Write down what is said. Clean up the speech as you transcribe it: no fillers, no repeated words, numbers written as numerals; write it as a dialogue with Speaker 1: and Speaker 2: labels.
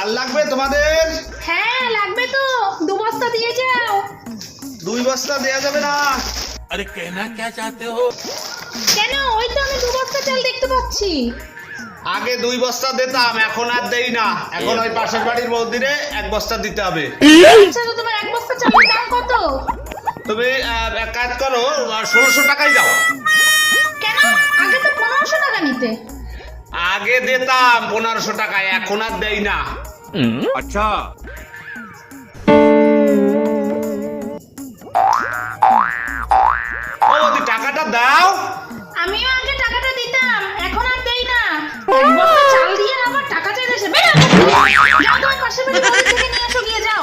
Speaker 1: চাল লাগবে তোমাদের?
Speaker 2: হ্যাঁ লাগবে তো, 2 বস্তা দিয়ে যাও।
Speaker 1: 2 বস্তা দেয়া যাবে না।
Speaker 3: अरे कहना क्या चाहते हो?
Speaker 2: কেন? ওই তো আমি 2 বস্তা চাল দেখতে পাচ্ছি।
Speaker 1: আগে 2 বস্তা দিতাম, এখন আর দেই না। এখন ওই পাশের বাড়ির বৌদিরে 1 বস্তা দিতে হবে।
Speaker 2: আচ্ছা, তো তোমার 1 বস্তা চালের দাম কত?
Speaker 1: তুমি এক কাজ করো, 1600 টাকাই দাও।
Speaker 2: কেন? আগে তো 1500 টাকা নিতে।
Speaker 1: আগে দিতাম 1500 টাকায়, এখন আর দেই না।
Speaker 3: अच्छा
Speaker 1: ও বৌদি, টাকাটা দাও।
Speaker 2: আমিও আগে টাকাটা দিতাম, এখন আর দেই না। 1 বস্তা চাল দিয়ে আবার টাকা চাইতেছে। বেরো এখান থেকে। যাও তোমার পাশের বাড়ির বাড়ি থেকে নিয়ে এসো, গিয়ে যাও।